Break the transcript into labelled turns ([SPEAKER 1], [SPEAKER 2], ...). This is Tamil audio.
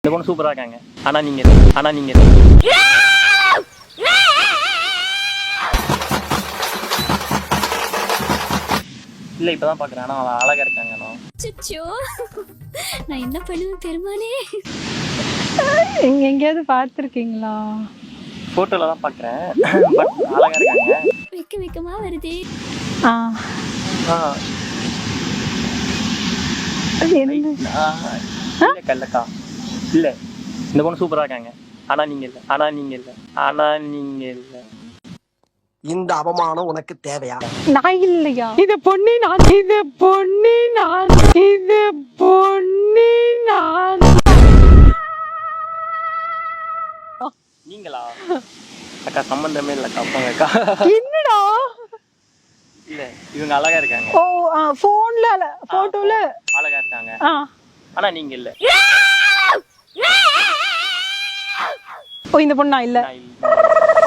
[SPEAKER 1] இந்த பொண்ணு சூப்பரா இருக்காங்க. ஆனா நீங்க இல்ல. இல்ல இப்பதான் பாக்குறேன். ஆனா அவன் அழகா இருக்காங்க.
[SPEAKER 2] நான் என்ன பண்ணுவேன் பெருமானே.
[SPEAKER 3] எங்கேயாவது பார்த்துருக்கீங்களா?
[SPEAKER 1] போட்டோல தான் பாக்குறேன். பட் அழகா இருக்காங்க.
[SPEAKER 2] வெக்கமா வருதே.
[SPEAKER 1] ஆ,
[SPEAKER 3] அது என்ன?
[SPEAKER 1] இல்ல கல்லக்கா. இல்ல இந்த பொண்ணு சூப்பரா இருக்காங்க. ஆனா நீங்க இல்ல.
[SPEAKER 4] இந்த அவமானம் உனக்கு தேவையா?
[SPEAKER 3] நான் இல்லையா? இது பொண்ணு நான்.
[SPEAKER 1] நீங்களா? அக்கா சம்பந்தமே இல்லக்கா. போங்கக்கா.
[SPEAKER 3] என்னடா?
[SPEAKER 1] இல்ல இவங்க அழகா இருக்காங்க.
[SPEAKER 3] ஓ போன்ல போட்டோல
[SPEAKER 1] அழகா இருக்காங்க. ஆனா நீங்க இல்ல.
[SPEAKER 3] ஓ இந்த பொண்ணு நான் இல்ல.
[SPEAKER 1] நான் இல்ல.